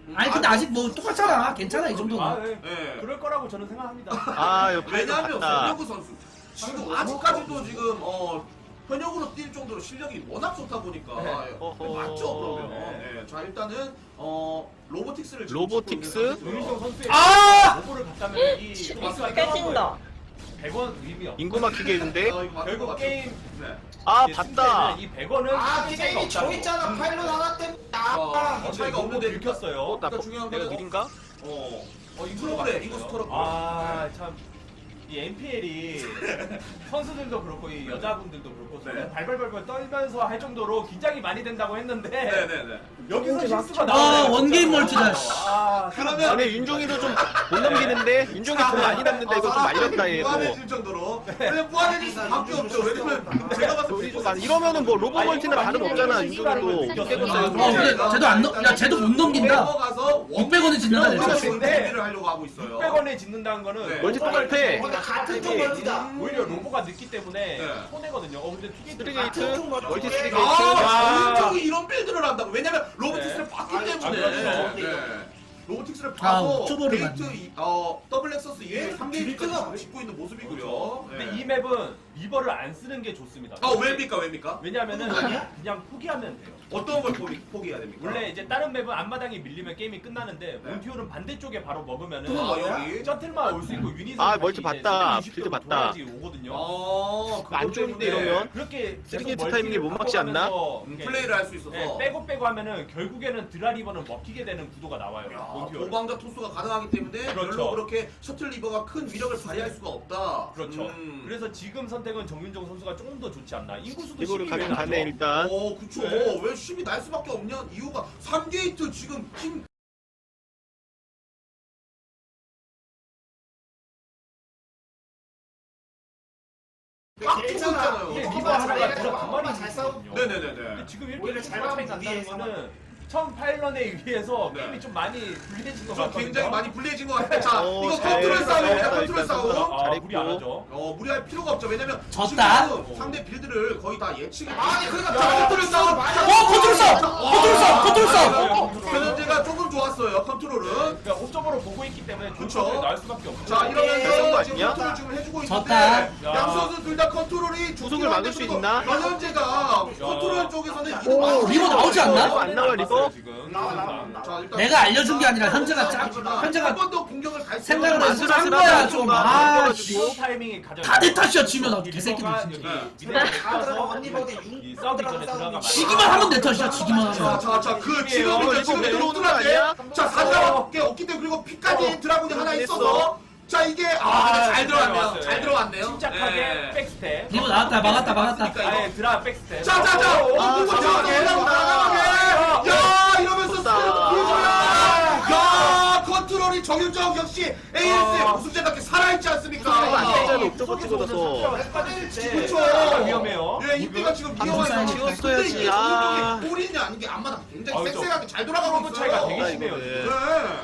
[SPEAKER 6] 아니 근데 아직 뭐 똑같잖아. 괜찮아 이 정도는.
[SPEAKER 4] 아, 네.
[SPEAKER 2] 예.
[SPEAKER 4] 그럴 거라고 저는 생각합니다.
[SPEAKER 7] 아 이거
[SPEAKER 2] 왜냐하면
[SPEAKER 7] 봤다.
[SPEAKER 2] 현역우 선수 지금 아직까지도 지금 현역으로 뛸 정도로 실력이 워낙 좋다 보니까
[SPEAKER 4] 네.
[SPEAKER 7] 어허.
[SPEAKER 2] 맞죠 그러면.
[SPEAKER 7] 네.
[SPEAKER 2] 자 일단은 로보틱스를 지금
[SPEAKER 7] 로보틱스?
[SPEAKER 2] 찍고 있는
[SPEAKER 4] 조윤정 선수의
[SPEAKER 6] 아!
[SPEAKER 4] 로고를 갔다면 이
[SPEAKER 8] 치-
[SPEAKER 4] 토스가
[SPEAKER 8] 깨진다.
[SPEAKER 4] 100원 의미 없어.
[SPEAKER 7] 인구 막히겠는데?
[SPEAKER 4] 결국 게임
[SPEAKER 2] 네.
[SPEAKER 7] 아
[SPEAKER 4] 이제
[SPEAKER 7] 봤다.
[SPEAKER 4] 승자는 이 100원은
[SPEAKER 1] 아 게임이 저 있잖아 파일럿 하나 때문에 아
[SPEAKER 2] 차이가 없는데
[SPEAKER 4] 들켰어요.
[SPEAKER 7] 나
[SPEAKER 2] 그러니까 중요한
[SPEAKER 7] 내가
[SPEAKER 2] 거는
[SPEAKER 7] 느린가?
[SPEAKER 2] 이 프로그램 이거 스토어
[SPEAKER 4] 아, 참. 이 NPL이 선수들도 그렇고 이 여자분들도 그렇고
[SPEAKER 2] 네.
[SPEAKER 4] 발발발발 떨면서 할 정도로 긴장이 많이 된다고 했는데
[SPEAKER 2] 네네네.
[SPEAKER 4] 여기서 실수가
[SPEAKER 6] 아,
[SPEAKER 4] 나와요.
[SPEAKER 6] 원게임 멀티다.
[SPEAKER 4] 아,
[SPEAKER 2] 그러면
[SPEAKER 7] 아니 윤종이도 좀 못 넘기는데 윤종이 돈 많이 남는데 이거 좀 말렸다 얘도.
[SPEAKER 2] 무한해질 정도로. 근데 무한해질 수밖에 없죠. 왜냐면 제가 봤을 때
[SPEAKER 7] 좀 이러면은 뭐 로보 멀티나 다름없잖아 윤종이도 깨졌어요.
[SPEAKER 6] 근데 쟤도 안 넘, 야 쟤도 못 넘긴다.
[SPEAKER 2] 넘어가서
[SPEAKER 6] 600원에 짓는다,
[SPEAKER 2] 원게임
[SPEAKER 4] 진짜.
[SPEAKER 2] 준비를 하려고 하고 있어요.
[SPEAKER 4] 600원에 짓는다는 거는
[SPEAKER 2] 네.
[SPEAKER 7] 멀티 똑같아.
[SPEAKER 1] 근데 같은 쪽 멀티다
[SPEAKER 4] 오히려 로보가 늦기 때문에
[SPEAKER 2] 네.
[SPEAKER 4] 손해거든요. 근데 투게이트
[SPEAKER 7] 스리게이트 멀티 스리게이트.
[SPEAKER 2] 아, 정윤정이 이런 빌드를 한다고. 왜냐면 로보틱스를
[SPEAKER 4] 네.
[SPEAKER 2] 봤기
[SPEAKER 1] 아,
[SPEAKER 2] 때문에.
[SPEAKER 4] 그렇죠.
[SPEAKER 2] 네. 로보틱스를
[SPEAKER 6] 아,
[SPEAKER 2] 봐서
[SPEAKER 6] 초보를
[SPEAKER 2] 게이트
[SPEAKER 6] 봤네.
[SPEAKER 2] 더블 렉서스 이후에 3게이트까지
[SPEAKER 1] 빌드가
[SPEAKER 2] 짓고 있는 모습이고요.
[SPEAKER 4] 근데
[SPEAKER 2] 네.
[SPEAKER 4] 이 맵은 리버를 안 쓰는 게 좋습니다.
[SPEAKER 2] 왜입니까?
[SPEAKER 4] 왜냐면은 그냥 포기하면 돼요.
[SPEAKER 2] 어떤 걸 포기해야 됩니까?
[SPEAKER 4] 원래 이제 다른 맵은 앞마당이 밀리면 게임이 끝나는데
[SPEAKER 2] 네.
[SPEAKER 4] 몬티올은 반대쪽에 바로 먹으면은
[SPEAKER 2] 여기.
[SPEAKER 4] 셔틀만 올 수 있고 유닛은
[SPEAKER 7] 아,
[SPEAKER 4] 다시
[SPEAKER 7] 멀티
[SPEAKER 4] 이제
[SPEAKER 7] 봤다.
[SPEAKER 4] 세븐
[SPEAKER 7] 빌드
[SPEAKER 4] 20도로
[SPEAKER 7] 봤다.
[SPEAKER 4] 돌아야지 오거든요.
[SPEAKER 2] 그것
[SPEAKER 7] 안 좋은데
[SPEAKER 2] 때문에
[SPEAKER 7] 이러면?
[SPEAKER 4] 그렇게
[SPEAKER 7] 스리게이트
[SPEAKER 4] 계속
[SPEAKER 7] 타이밍이 못 막지 않나?
[SPEAKER 4] 바꿔가면서 이렇게
[SPEAKER 2] 플레이를 할 수 있어서.
[SPEAKER 4] 네, 빼고 하면은 결국에는 드라리버는 먹히게 되는 구도가 나와요.
[SPEAKER 2] 야,
[SPEAKER 4] 몬티올.
[SPEAKER 2] 도망자 토스가 가능하기 때문에
[SPEAKER 4] 그렇죠.
[SPEAKER 2] 별로 그렇게 셔틀 리버가 큰 위력을 발휘할 수가 없다.
[SPEAKER 4] 그렇죠. 그래서 지금 선택은 정윤정 선수가 조금 더 좋지 않나. 인구수도
[SPEAKER 7] 이거를
[SPEAKER 4] 12면
[SPEAKER 7] 가긴
[SPEAKER 4] 나죠.
[SPEAKER 7] 가네 일단.
[SPEAKER 2] 그쵸.
[SPEAKER 4] 네.
[SPEAKER 2] 왜 10이 날 수밖에 없냐? 이유가 3게이트 지금 팀 꽉 끼고 있잖아요.
[SPEAKER 4] 이게
[SPEAKER 1] 조금만
[SPEAKER 4] 리버 하나가
[SPEAKER 1] 잘
[SPEAKER 4] 들어 두
[SPEAKER 1] 조금만
[SPEAKER 4] 마리
[SPEAKER 1] 잘
[SPEAKER 4] 있거든요.
[SPEAKER 2] 네네네네.
[SPEAKER 4] 근데 지금 이렇게
[SPEAKER 1] 오히려
[SPEAKER 4] 잘
[SPEAKER 1] 잘
[SPEAKER 4] 차이
[SPEAKER 1] 막는
[SPEAKER 4] 난다는
[SPEAKER 1] 위에서
[SPEAKER 4] 거는 처음 파일런에 의해서
[SPEAKER 2] 네.
[SPEAKER 4] 게임이 좀 많이 불리해진 것
[SPEAKER 2] 좀
[SPEAKER 4] 같거든요.
[SPEAKER 2] 굉장히 많이 불리해진 것 같아요. 자,
[SPEAKER 7] 오,
[SPEAKER 2] 이거
[SPEAKER 7] 잘
[SPEAKER 2] 컨트롤
[SPEAKER 7] 했다,
[SPEAKER 2] 싸움입니다.
[SPEAKER 7] 잘했다,
[SPEAKER 2] 컨트롤
[SPEAKER 7] 일단
[SPEAKER 2] 싸움.
[SPEAKER 4] 아,
[SPEAKER 7] 잘했고.
[SPEAKER 4] 무리 안 하죠.
[SPEAKER 2] 무리할 필요가 없죠. 왜냐면
[SPEAKER 6] 졌다.
[SPEAKER 2] 지금 상대 빌드를 거의 다 예측이.
[SPEAKER 1] 아니 그러니까
[SPEAKER 2] 자, 컨트롤 싸움.
[SPEAKER 6] 컨트롤 싸움! 컨트롤 싸움! 컨트롤 싸움!
[SPEAKER 2] 변현재가 조금 좋았어요. 컨트롤은.
[SPEAKER 4] 그러니까 옵저버로 보고 있기 때문에
[SPEAKER 2] 그쵸.
[SPEAKER 4] 조건을 나올 수밖에 없죠.
[SPEAKER 2] 자,
[SPEAKER 7] 그런 거
[SPEAKER 2] 이러면서 지금
[SPEAKER 7] 아니야?
[SPEAKER 2] 컨트롤 지금 해주고
[SPEAKER 6] 졌다.
[SPEAKER 2] 있는데 양 선수 둘 다 컨트롤이
[SPEAKER 7] 구속을 막을 수 있나?
[SPEAKER 2] 변현재가 컨트롤 쪽에서는 이득
[SPEAKER 6] 오,
[SPEAKER 2] 많이
[SPEAKER 6] 리버 나오지 않나?
[SPEAKER 7] 이거 안 나와 리버?
[SPEAKER 4] 지금.
[SPEAKER 1] 나와.
[SPEAKER 2] 자, 일단
[SPEAKER 6] 내가 알려준 게 아니라 현재가 현재가
[SPEAKER 2] 한 번 더 공격을 갈 수
[SPEAKER 6] 생각을
[SPEAKER 2] 있는
[SPEAKER 6] 해서 짠 거야 좀. 아, 씨.
[SPEAKER 4] 리버 타이밍이 가장
[SPEAKER 6] 다 내 탓이야, 지면. 개새끼들
[SPEAKER 4] 리버가
[SPEAKER 6] 진짜.
[SPEAKER 4] 여기
[SPEAKER 2] 네.
[SPEAKER 1] 다 들어가 언니
[SPEAKER 4] 미네랄
[SPEAKER 1] 보대
[SPEAKER 4] 이 싸우기 전에 들어가면
[SPEAKER 6] 지기만 하면 내 탓이야, 지기만 하면.
[SPEAKER 2] 자, 그 지금
[SPEAKER 7] 이거
[SPEAKER 2] 지금
[SPEAKER 7] 왜
[SPEAKER 2] 들어오는
[SPEAKER 7] 들어오는
[SPEAKER 2] 거
[SPEAKER 7] 거 아니야?
[SPEAKER 2] 아니야? 자, 4자밖에 없기 때문에 그리고 피까지 드라군이 하나
[SPEAKER 7] 됐어.
[SPEAKER 2] 있어서 자, 이게 잘 들어왔네요.
[SPEAKER 4] 들어왔어요.
[SPEAKER 2] 잘 들어왔네요.
[SPEAKER 4] 침착하게
[SPEAKER 2] 네.
[SPEAKER 4] 백스텝.
[SPEAKER 6] 리버 나왔다, 막았다.
[SPEAKER 4] 아예 드라 백스텝.
[SPEAKER 2] 자, 누구
[SPEAKER 7] 과감하게
[SPEAKER 2] 과감하게. 야, 이러면서
[SPEAKER 7] 졌다.
[SPEAKER 2] 스피드 보여줘요. 야, 컨트롤이 정윤정 역시 AS 우승자답게 살아있지 않습니까?
[SPEAKER 7] 이거 안 되잖아. 옥저버 찍어서.
[SPEAKER 2] 그렇죠.
[SPEAKER 4] 위험해요.
[SPEAKER 2] 예, 이때가 지금
[SPEAKER 6] 방금
[SPEAKER 2] 위험해서
[SPEAKER 6] 사이즈
[SPEAKER 7] 찍었어야지.
[SPEAKER 2] 근데 이게
[SPEAKER 7] 아.
[SPEAKER 2] 정윤정이 골이냐 아닌 게 안마다 굉장히
[SPEAKER 4] 그렇죠.
[SPEAKER 2] 섹시하게 잘 돌아가고
[SPEAKER 4] 프로브
[SPEAKER 2] 있어요.
[SPEAKER 4] 차이가 되게
[SPEAKER 7] 아,
[SPEAKER 4] 심해요.
[SPEAKER 7] 이거는.
[SPEAKER 2] 네.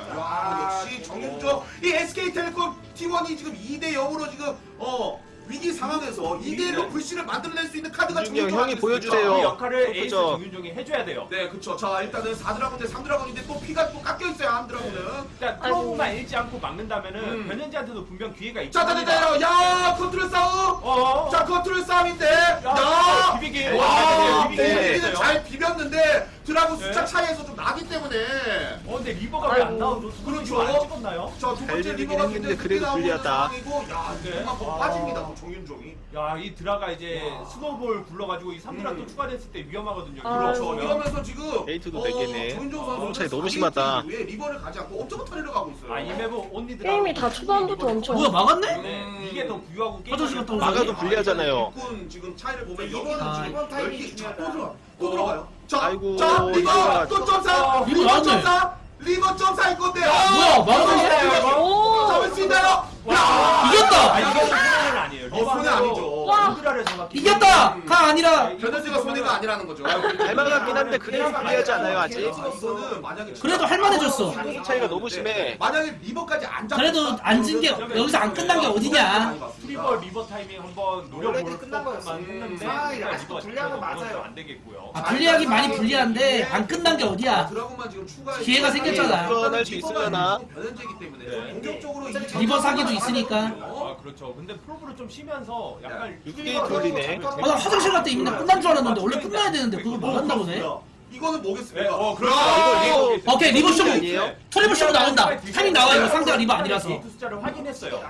[SPEAKER 2] 와, 역시 정윤정. 이 SK텔레콤 T1이 지금 2대 0으로 지금 위기 상황에서 2대 1로 불씨를 만들어낼 수 있는 카드가
[SPEAKER 7] 윤정
[SPEAKER 2] 정윤정
[SPEAKER 7] 형이
[SPEAKER 2] 아니겠습니까?
[SPEAKER 7] 보여주세요.
[SPEAKER 4] 그 역할을 에이스
[SPEAKER 7] 그죠.
[SPEAKER 4] 정윤종이 해줘야 돼요.
[SPEAKER 2] 네, 그쵸. 자, 일단은 4드라군 대 3드라군인데 또 피가 또 깎여 있어요, 한 드라군은.
[SPEAKER 4] 그러니까 프로브만 잃지 않고 막는다면은 변현재한테도 분명 기회가 있죠.
[SPEAKER 2] 자, 야, 컨트롤 싸움. 자, 컨트롤 싸움인데. 야,
[SPEAKER 4] 비비기.
[SPEAKER 2] 와,
[SPEAKER 4] 비비기.
[SPEAKER 2] 비비기는 잘 비볐는데 드라군
[SPEAKER 4] 네.
[SPEAKER 2] 숫자 차이에서 좀 나기 때문에.
[SPEAKER 4] 근데 리버가 왜 안 나오죠?
[SPEAKER 2] 그렇죠.
[SPEAKER 4] 안 찍었나요?
[SPEAKER 2] 자, 두 번째
[SPEAKER 7] 잘 비비긴
[SPEAKER 2] 리버가
[SPEAKER 7] 했는데
[SPEAKER 2] 굉장히
[SPEAKER 7] 그래도
[SPEAKER 2] 크게 나오는
[SPEAKER 7] 불리하다.
[SPEAKER 2] 상황이고, 야,
[SPEAKER 4] 네.
[SPEAKER 2] 정말 더
[SPEAKER 4] 아.
[SPEAKER 2] 빠집니다, 또 정윤종이.
[SPEAKER 4] 야, 이 드라가 이제 스노볼 굴러가지고 이 3드라 또 추가됐을 때 위험하거든요.
[SPEAKER 8] 아,
[SPEAKER 2] 그렇죠.
[SPEAKER 8] 아이고.
[SPEAKER 2] 이러면서 지금
[SPEAKER 7] 에이트도 되겠네.
[SPEAKER 2] 정윤종 선수
[SPEAKER 7] 너무 차이 너무 심하다.
[SPEAKER 2] 왜 리버를 가지 않고 옵저버 터리러 가고 있어요.
[SPEAKER 4] 아, 이 맵은 온리 드라.
[SPEAKER 8] 게임이 다 초반부터 엄청.
[SPEAKER 6] 뭐야, 막았네?
[SPEAKER 4] 네, 이게 더 부유하고 게임.
[SPEAKER 6] 화장실 갔다 오자.
[SPEAKER 7] 막아도 불리하잖아요.
[SPEAKER 2] 일꾼 지금 차이를 보면
[SPEAKER 1] 이번-
[SPEAKER 2] 여기는 지금
[SPEAKER 1] 이번 타이밍이
[SPEAKER 2] 10개
[SPEAKER 1] 중요하다.
[SPEAKER 2] 또 들어가. 또 들어가요. 자,
[SPEAKER 7] 아이고,
[SPEAKER 2] 자, 리버
[SPEAKER 7] 리버가-
[SPEAKER 2] 또 점사.
[SPEAKER 6] 리버
[SPEAKER 2] 리버
[SPEAKER 6] 나왔네.
[SPEAKER 2] 점사. 리버 점사일 건데.
[SPEAKER 6] 뭐야, 막았네?
[SPEAKER 8] 오.
[SPEAKER 2] 잡을 수 있나요? 야!
[SPEAKER 6] 이겼다!
[SPEAKER 4] 아, 이거는 플레이는 아니에요.
[SPEAKER 2] 손해 아니죠.
[SPEAKER 4] 오드라를 정확히
[SPEAKER 6] 이겼다! 가 아니라
[SPEAKER 2] 변현재가 손해가 아니라는 거죠.
[SPEAKER 7] 잘 막았긴 한데 그래도 불리하지 않아요 아직?
[SPEAKER 2] 이거는 만약에
[SPEAKER 6] 그래도 할만해졌어.
[SPEAKER 7] 한국 차이가 너무 심해.
[SPEAKER 2] 만약에 리버까지 안 잡.
[SPEAKER 6] 그래도 안 진 게 여기서 안 끝난 게 어디냐.
[SPEAKER 4] 리버 타이밍 한번 노려볼
[SPEAKER 1] 끝난 거였어.
[SPEAKER 4] 것만 했는데
[SPEAKER 1] 상황이 아직도
[SPEAKER 4] 리버가
[SPEAKER 1] 불리한 건
[SPEAKER 4] 들어가면
[SPEAKER 1] 맞아요.
[SPEAKER 4] 안 되겠고요.
[SPEAKER 6] 아, 불리하긴 많이 불리한데 안 끝난 게 어디야.
[SPEAKER 2] 드라곤만 지금 추가
[SPEAKER 6] 기회가 생겼잖아.
[SPEAKER 7] 불안할 수 있으려나?
[SPEAKER 2] 변현재이기 때문에
[SPEAKER 4] 네.
[SPEAKER 2] 공격적으로
[SPEAKER 6] 리버 사기도 있으니까.
[SPEAKER 4] 아 그렇죠. 근데 프로브로 좀 쉬면서 약간
[SPEAKER 7] 6게임 돌리네.
[SPEAKER 6] 아, 나 화장실 갔다 이미 끝난 줄 알았는데 원래 끝나야 되는데 그걸 뭐 한다고 해?
[SPEAKER 2] 이거는 뭐겠습니까?
[SPEAKER 4] 네, 그렇죠.
[SPEAKER 7] 이거
[SPEAKER 6] 오케이 리버 쇼
[SPEAKER 7] 아니에요?
[SPEAKER 6] 트리버 쇼 나온다. 타이밍 나와요. 상대가 리버 아니라서.
[SPEAKER 4] 게이트 숫자를 확인했어요.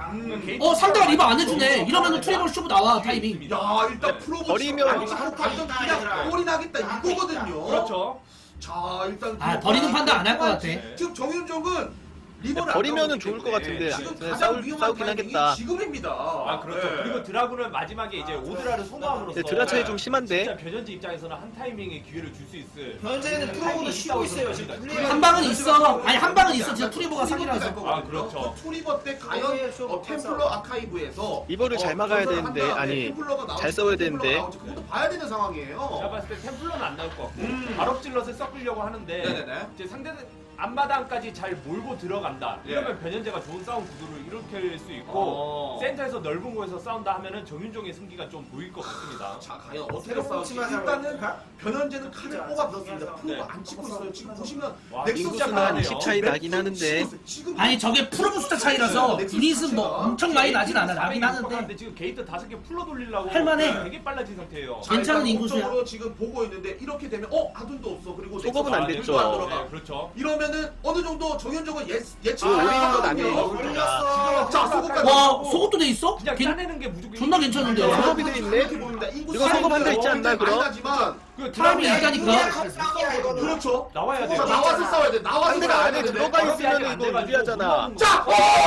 [SPEAKER 6] 상대가 리버 안 해주네. 이러면은 트리버 쇼 나와 타이밍.
[SPEAKER 2] 야 일단 프로브
[SPEAKER 7] 버리면
[SPEAKER 2] 완전 그냥 꼴이 나겠다 이거거든요.
[SPEAKER 4] 그렇죠.
[SPEAKER 2] 자 일단
[SPEAKER 6] 아, 버리는 판단 안할것 같아.
[SPEAKER 2] 지금 정윤종은 리버를
[SPEAKER 7] 버리면은
[SPEAKER 2] 안
[SPEAKER 7] 좋을
[SPEAKER 2] 나오기
[SPEAKER 7] 것 같은데
[SPEAKER 2] 때문에 지금
[SPEAKER 7] 네,
[SPEAKER 2] 가장 위험한
[SPEAKER 7] 싸우긴
[SPEAKER 2] 타이밍이
[SPEAKER 7] 하겠다.
[SPEAKER 2] 지금입니다.
[SPEAKER 4] 아 그렇죠.
[SPEAKER 2] 네.
[SPEAKER 4] 그리고 드라군은 마지막에 이제 오드라를 소모함으로써
[SPEAKER 7] 근데 드라 차이 좀
[SPEAKER 4] 진짜
[SPEAKER 7] 심한데?
[SPEAKER 4] 변현재 입장에서는 한 타이밍에 기회를 줄 수 있을.
[SPEAKER 1] 현재는 프로보도 쉬고 있어요. 지금 불리해요.
[SPEAKER 6] 한 방은 있어. 아니 한 방은 있어. 진짜 트리버가 사기라서.
[SPEAKER 4] 아, 그렇죠.
[SPEAKER 2] 그 투리버 때 과연 템플러 아카이브에서
[SPEAKER 7] 리버를 잘 막아야 되는데, 아니, 잘 싸워야 되는데.
[SPEAKER 2] 그것도 봐야 되는 상황이에요.
[SPEAKER 4] 제가 봤을 때 템플러는 안 나올 것 같고 발업질럿을 섞으려고 하는데
[SPEAKER 2] 네네네.
[SPEAKER 4] 이제 상대는 앞마당까지 잘 몰고 들어간다.
[SPEAKER 2] 예.
[SPEAKER 4] 이러면 변현재가 좋은 싸움 구도를 일으킬 수 있고 센터에서 넓은 곳에서 싸운다 하면은 정윤종의 승기가 좀 보일 것 같습니다.
[SPEAKER 2] 자 과연 어떻게
[SPEAKER 1] 새로운
[SPEAKER 2] 싸울지
[SPEAKER 1] 치마
[SPEAKER 2] 일단은
[SPEAKER 1] 잡아볼까?
[SPEAKER 2] 변현재는 칼을
[SPEAKER 1] 진짜
[SPEAKER 2] 뽑아봤습니다.
[SPEAKER 1] 진짜.
[SPEAKER 2] 프로가 안 찍고 있어요. 지금 보시면
[SPEAKER 4] 와,
[SPEAKER 7] 인구수는 한 20 차이 나긴 하는데.
[SPEAKER 6] 아니 저게 프로브 숫자 차이라서 유닛은 뭐 엄청 많이 나진 않아. 나긴 하는데.
[SPEAKER 4] 지금 게이트 5개 풀러 돌리려고
[SPEAKER 6] 할만해.
[SPEAKER 4] 되게 빨라진 상태예요.
[SPEAKER 6] 괜찮은 인구수야.
[SPEAKER 2] 적으로 지금 보고 있는데 이렇게 되면 아둔도 없어. 그리고
[SPEAKER 7] 소급은 안
[SPEAKER 2] 넥서스
[SPEAKER 7] 됐죠.
[SPEAKER 2] 안 들어가.
[SPEAKER 4] 네, 그렇죠.
[SPEAKER 2] 이러면은 어느 정도 정현종은 예측
[SPEAKER 7] 올린 건 아니에요.
[SPEAKER 1] 올렸어.
[SPEAKER 2] 자 소급까지.
[SPEAKER 6] 와 소급도 돼 있어?
[SPEAKER 4] 그냥 짜내는 게 무조건
[SPEAKER 6] 존나 괜찮은데요?
[SPEAKER 7] 소급이 돼 있네? 이거 소급 한대 있지 않나, 그럼?
[SPEAKER 2] 하지만
[SPEAKER 4] 그
[SPEAKER 6] 타이밍이
[SPEAKER 4] 드라군이
[SPEAKER 6] 있다니까.
[SPEAKER 2] 그렇죠.
[SPEAKER 4] 나와야 돼요.
[SPEAKER 2] 자 나와서 싸워야 돼. 나와서
[SPEAKER 7] 상대가
[SPEAKER 2] 싸워야
[SPEAKER 7] 안에
[SPEAKER 2] 되는데.
[SPEAKER 7] 들어가 있으면 이거 유리하잖아.
[SPEAKER 2] 자,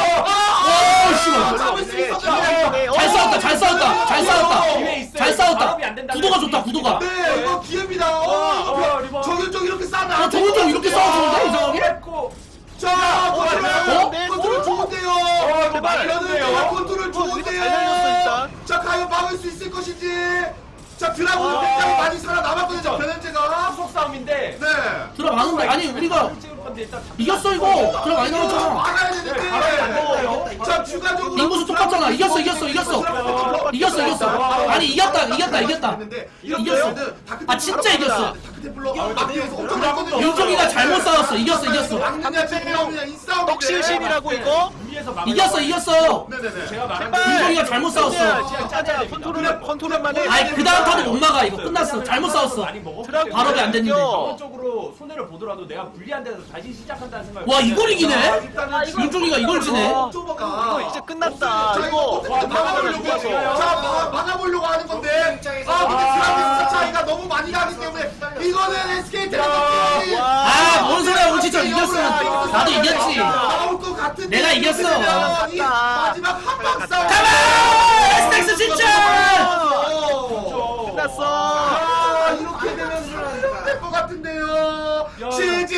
[SPEAKER 2] 잡을 수 있었죠.
[SPEAKER 6] 잘 싸웠다. 잘 싸웠다. 잘 싸웠다.
[SPEAKER 4] 기회 있어요.
[SPEAKER 6] 잘 싸웠다.
[SPEAKER 4] 발업이 안 된다면
[SPEAKER 6] 구도가 좋다. 구도가.
[SPEAKER 2] 네, 이거 기회입니다.
[SPEAKER 4] 리버.
[SPEAKER 2] 정현종 이렇게 싸면
[SPEAKER 6] 정윤종 이렇게 싸워주는데 이상하게?
[SPEAKER 2] 자,
[SPEAKER 7] 어?
[SPEAKER 2] 컨트롤 좋은데요.
[SPEAKER 7] 제발.
[SPEAKER 2] 변현재가 컨트롤
[SPEAKER 7] 이거
[SPEAKER 2] 좋은데요.
[SPEAKER 7] 잘 날렸어, 일단.
[SPEAKER 2] 자, 과연 막을 수 있을 것인지. 자, 드라군은
[SPEAKER 7] 와.
[SPEAKER 2] 굉장히 많이 살아남았거든요. 변현재가.
[SPEAKER 4] 후속 싸움인데
[SPEAKER 2] 네.
[SPEAKER 6] 들어가는데 아니 우리가 이겼어 이거. 들어 많이 나왔잖아.
[SPEAKER 2] 막아야
[SPEAKER 4] 발업이 안
[SPEAKER 2] 되는데.
[SPEAKER 4] 됐어요.
[SPEAKER 2] 자, 추가적으로
[SPEAKER 6] 인구수 똑같잖아. 이겼어. 이겼어. 아니 이겼다. 이겼어. 아, 진짜 이겼어.
[SPEAKER 2] 다크테플러 막기에서 엄청 많거든요.
[SPEAKER 6] 윤종이가 잘못 싸웠어. 이겼어.
[SPEAKER 2] 막느냐 지금이냐 이 싸움인데.
[SPEAKER 7] 떡실신이라고 이거?
[SPEAKER 4] 위에서
[SPEAKER 6] 이겼어.
[SPEAKER 2] 네네네.
[SPEAKER 4] 제가 말한
[SPEAKER 7] 제발.
[SPEAKER 6] 윤종이가 잘못 싸웠어.
[SPEAKER 7] 그냥 짜자. 컨트롤만 해.
[SPEAKER 6] 아니 그 다음 타도 못 막아. 이거 끝났어. 잘못 싸웠어. 발업이 안 됐는데.
[SPEAKER 4] 전반적으로 손해를 보더라도 내가 불리한 데서 다시 시작한다는 생각.
[SPEAKER 6] 와 이걸 이기네.
[SPEAKER 2] 일단은
[SPEAKER 6] 윤종이가 이걸 지네.
[SPEAKER 7] 이거 이제 끝났다.
[SPEAKER 2] 자,
[SPEAKER 7] 이거
[SPEAKER 2] 막아보려고
[SPEAKER 7] 좋아서.
[SPEAKER 2] 자, 막아보려고 하는 건데. 근데 드라미스 차이가 너무 많이 나기 때문에 이거는 SK 테레비전이
[SPEAKER 6] 아뭔 소리야. 우리 진짜 이겼으면 나도 이겼지.
[SPEAKER 2] 나올 것 같은데.
[SPEAKER 6] 내가 이겼어.
[SPEAKER 2] 이 마지막 한방 싸움.
[SPEAKER 6] 가만! 스택스 진짜!
[SPEAKER 7] 끝났어.
[SPEAKER 2] 아, 이렇게 되면 될것 같은데요. 지지.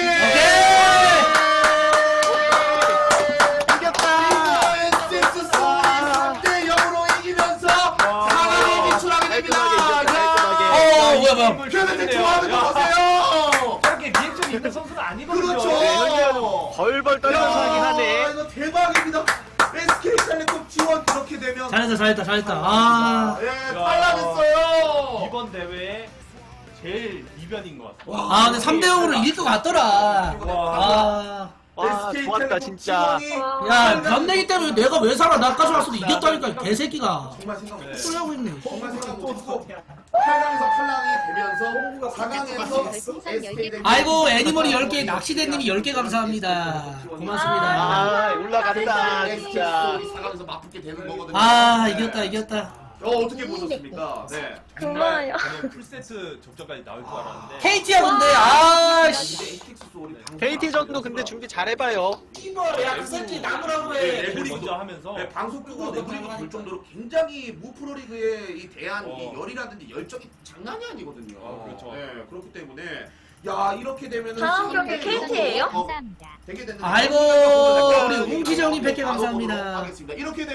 [SPEAKER 7] 이겼다.
[SPEAKER 2] NCS 3대 0으로 이기면서 4강에 진출하게 됩니다.
[SPEAKER 6] 뭐야.
[SPEAKER 2] 그런데 좋아하는 거 보세요.
[SPEAKER 4] 저렇게 리액션이 있는 선수는 아니거든요.
[SPEAKER 2] 그렇죠.
[SPEAKER 7] 벌벌 떨면서 하긴 하네.
[SPEAKER 2] 이거 대박입니다. SK텔레콤 T1 그렇게 되면
[SPEAKER 6] 잘했다. 아.
[SPEAKER 2] 예, 탈락했어요.
[SPEAKER 4] 이번 대회에 제일 이변인 것 같아요.
[SPEAKER 6] 아 근데 3대 0으로 이길 것 같더라. 아.
[SPEAKER 7] 와, 좋았다, 진짜.
[SPEAKER 6] 야 변내기 때문에 내가 왜 살아. 나까지 왔어도 이겼다니까 이 개새끼가.
[SPEAKER 2] 정말 생각 못했어.
[SPEAKER 6] 소리하고 있네.
[SPEAKER 2] 정말 생각 못했어. 8강에서 탈락이 되면서 4강에서 SK
[SPEAKER 6] 아이고 애니멀이 10개 낚시대님이 10개 감사합니다. 고맙습니다.
[SPEAKER 7] 아, 올라간다, 진짜.
[SPEAKER 2] 4강에서 맞붙게 되는 거거든요.
[SPEAKER 6] 아 이겼다.
[SPEAKER 2] 어떻게 보셨습니까? 네.
[SPEAKER 8] 정말요.
[SPEAKER 4] 저는 풀세트 접전까지 나올 줄 알았는데
[SPEAKER 6] KT야 근데 아씨.
[SPEAKER 7] KT전도 근데 준비 잘해봐요.
[SPEAKER 1] 야그 새끼 나무라고 해.
[SPEAKER 4] 레벨 먼저 하면서
[SPEAKER 2] 네, 방송 끄고 내부리고 볼 정도로 굉장히 무프로리그에 이 대한 이 열이라든지 열정이 장난이 아니거든요.
[SPEAKER 4] 그렇죠.
[SPEAKER 2] 네, 그렇기 때문에 야 이렇게 되면은
[SPEAKER 8] 다음 경기 KT예요?
[SPEAKER 2] 되게 됐는데
[SPEAKER 6] 아이고 우리 웅기정님 100개 감사합니다.
[SPEAKER 2] 하겠습니다. 이렇게 되면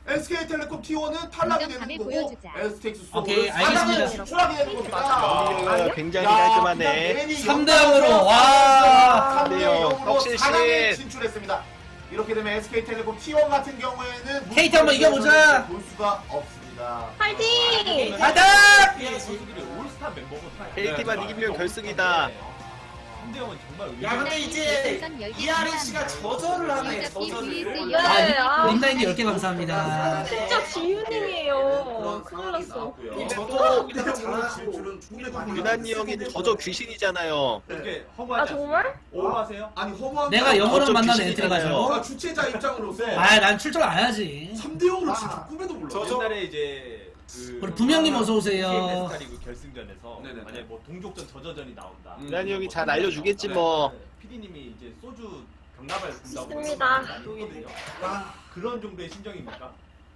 [SPEAKER 2] SK텔레콤 T1은 탈락이 되는 거고 STX
[SPEAKER 6] 오케이, 알겠습니다.
[SPEAKER 2] 진출하게 되는 겁니다.
[SPEAKER 5] 아, 굉장히 깔끔하네.
[SPEAKER 6] 3대 0으로 와.
[SPEAKER 5] 3대 0. 혁신 씨.
[SPEAKER 2] 4강에 진출했습니다. 이렇게 되면 SK텔레콤 T1 같은 경우에는
[SPEAKER 6] KT 한번 이겨보자.
[SPEAKER 2] 볼 수가 없습니다.
[SPEAKER 8] 파이팅!
[SPEAKER 6] 가자!
[SPEAKER 4] 선수들이 올스타 멤버가
[SPEAKER 5] KT만 이기면 결승이다.
[SPEAKER 4] 3대0은 정말
[SPEAKER 1] 야 근데 이제 이하린 씨가 저절을 하네 저절을.
[SPEAKER 6] 아, 린다인드 10개 감사합니다.
[SPEAKER 8] 진짜 지윤님이에요.
[SPEAKER 2] 그런
[SPEAKER 8] 큰일
[SPEAKER 2] 상황이
[SPEAKER 8] 났어.
[SPEAKER 2] 나왔고요.
[SPEAKER 5] 저도
[SPEAKER 1] 이렇게
[SPEAKER 2] 진출은
[SPEAKER 1] 잘하고.
[SPEAKER 2] 충분히 가능합니다.
[SPEAKER 5] 유난히 형이 저저 귀신이잖아요.
[SPEAKER 4] 이렇게
[SPEAKER 8] 아
[SPEAKER 4] 허무하지
[SPEAKER 8] 정말?
[SPEAKER 4] 않습니까? 오버하세요?
[SPEAKER 2] 아니 허무한
[SPEAKER 6] 내가 영어로
[SPEAKER 5] 어쩜
[SPEAKER 6] 만나는
[SPEAKER 5] 귀신이
[SPEAKER 6] 엔트리
[SPEAKER 5] 되나요?
[SPEAKER 6] 가지고.
[SPEAKER 2] 주최자 입장으로서
[SPEAKER 6] 아, 난 출전 안 해야지.
[SPEAKER 2] 3대0으로 진짜 꿈에도 몰라.
[SPEAKER 4] 옛날에 이제 그
[SPEAKER 6] 우리 부명님 어서 오세요.
[SPEAKER 4] 스타리그 결승전에서
[SPEAKER 2] 네네네.
[SPEAKER 4] 만약에 뭐 동족전 저저전이 나온다.
[SPEAKER 5] 유난히 형이 잘 알려주겠지 뭐.
[SPEAKER 4] PD님이 이제 소주 병나발 분다고
[SPEAKER 8] 있습니다.
[SPEAKER 4] 거든요. 그런 정도의 심정입니까?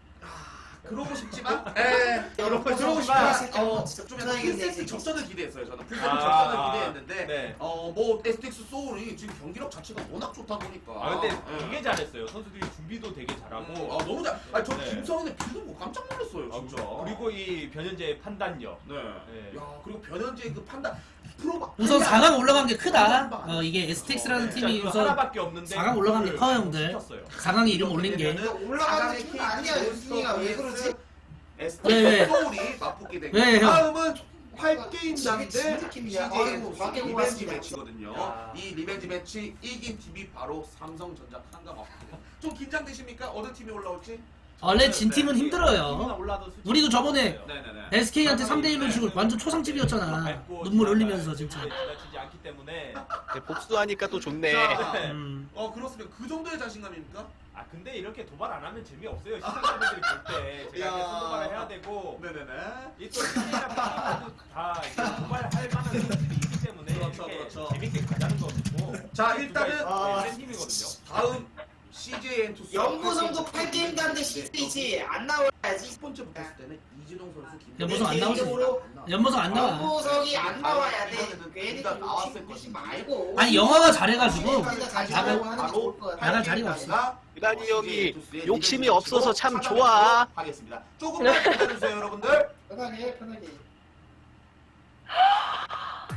[SPEAKER 2] 그러고 싶지만, 그러고 싶지만, 좀 약간
[SPEAKER 1] 편하게
[SPEAKER 2] 풀세트
[SPEAKER 1] 얘기해.
[SPEAKER 2] 접전을 기대했어요. 저는 풀세트
[SPEAKER 4] 아,
[SPEAKER 2] 접전을
[SPEAKER 4] 아,
[SPEAKER 2] 기대했는데,
[SPEAKER 4] 네.
[SPEAKER 2] 뭐 STX 소울이 지금 경기력 자체가 워낙 좋다 보니까.
[SPEAKER 4] 아 근데
[SPEAKER 2] 예.
[SPEAKER 4] 되게 잘했어요. 선수들이 준비도 되게 잘하고.
[SPEAKER 2] 아 너무 잘. 아니 저
[SPEAKER 4] 네.
[SPEAKER 2] 김성현의 빌드 보고 깜짝 놀랐어요,
[SPEAKER 4] 아,
[SPEAKER 2] 진짜.
[SPEAKER 4] 그리고 이 변현재의 판단력.
[SPEAKER 2] 네.
[SPEAKER 4] 네.
[SPEAKER 2] 야 그리고 변현재의 그 판단 프로바.
[SPEAKER 6] 우선 4강 올라간 게 크다. 이게 STX라는 팀이
[SPEAKER 4] 진짜 그
[SPEAKER 6] 우선
[SPEAKER 4] 하나밖에 없는데
[SPEAKER 6] 4강 올라간 게 커요, 형들.
[SPEAKER 4] 시켰어요.
[SPEAKER 6] 4강에 이름 올린 게.
[SPEAKER 1] 올라가는 팀은 아니야 윤승이가 왜 그러지?
[SPEAKER 6] 왜?
[SPEAKER 2] 소울이 맞붙게 되고
[SPEAKER 6] 왜, 형?
[SPEAKER 2] 다음은 8게임장인데
[SPEAKER 1] 진짜 느낌이야.
[SPEAKER 2] CJ
[SPEAKER 1] 아이고,
[SPEAKER 2] 리벤지
[SPEAKER 1] 막혀보았습니다.
[SPEAKER 2] 매치거든요.
[SPEAKER 4] 야.
[SPEAKER 2] 이 리벤지 매치 이긴 팀이 바로 삼성전자 한가마입니다. 좀 긴장되십니까? 어느 팀이 올라올지?
[SPEAKER 6] 원래 진 팀은
[SPEAKER 4] 팀이나
[SPEAKER 6] 힘들어요.
[SPEAKER 4] 올라도 솔직히
[SPEAKER 6] 우리도 저번에
[SPEAKER 2] 네네네.
[SPEAKER 6] SK한테 3대 1로 지고 완전 초상집이었잖아. 눈물 흘리면서 진짜.
[SPEAKER 4] 지나치지 않기 때문에.
[SPEAKER 5] 네, 복수하니까 또 좋네.
[SPEAKER 2] 자, 그렇습니다. 그 정도의 자신감입니까?
[SPEAKER 4] 아 근데 이렇게 도발 안 하면 재미없어요. 시청자분들이 볼 때 제가
[SPEAKER 2] 야.
[SPEAKER 4] 이렇게 손도발을 해야 되고
[SPEAKER 2] 네네네.
[SPEAKER 4] 이또 팀이랑 다 이제 도발할 만한 선수들이 있기 때문에
[SPEAKER 2] 그렇죠,
[SPEAKER 4] 이렇게
[SPEAKER 2] 그렇죠.
[SPEAKER 4] 재밌게 가자는 거고.
[SPEAKER 2] 자, 일단은
[SPEAKER 4] 센 팀이거든요.
[SPEAKER 2] 다음 CJ 엔투스
[SPEAKER 1] 연구성도 8게임 단데 CJ지 안 나와야지.
[SPEAKER 2] 첫 번째 붙었을 때는 이진홍 선수 김
[SPEAKER 6] 연보성 안 나오지.
[SPEAKER 1] 개인적으로
[SPEAKER 6] 연보성 안 나와.
[SPEAKER 1] 연구성이 안 나와야 돼.
[SPEAKER 2] 이번에는
[SPEAKER 1] 괜히
[SPEAKER 2] 둘다 나왔을
[SPEAKER 1] 욕심 부리지
[SPEAKER 2] 것인데.
[SPEAKER 1] 말고.
[SPEAKER 6] 아니 영화가 잘해가지고
[SPEAKER 1] 나갈
[SPEAKER 6] 나갈 자리가 없어.
[SPEAKER 5] 유난히 형이 욕심이 없어서 참 좋아.
[SPEAKER 2] 하겠습니다. 조금만 기다려주세요, 여러분들.
[SPEAKER 1] 편하게 편하게.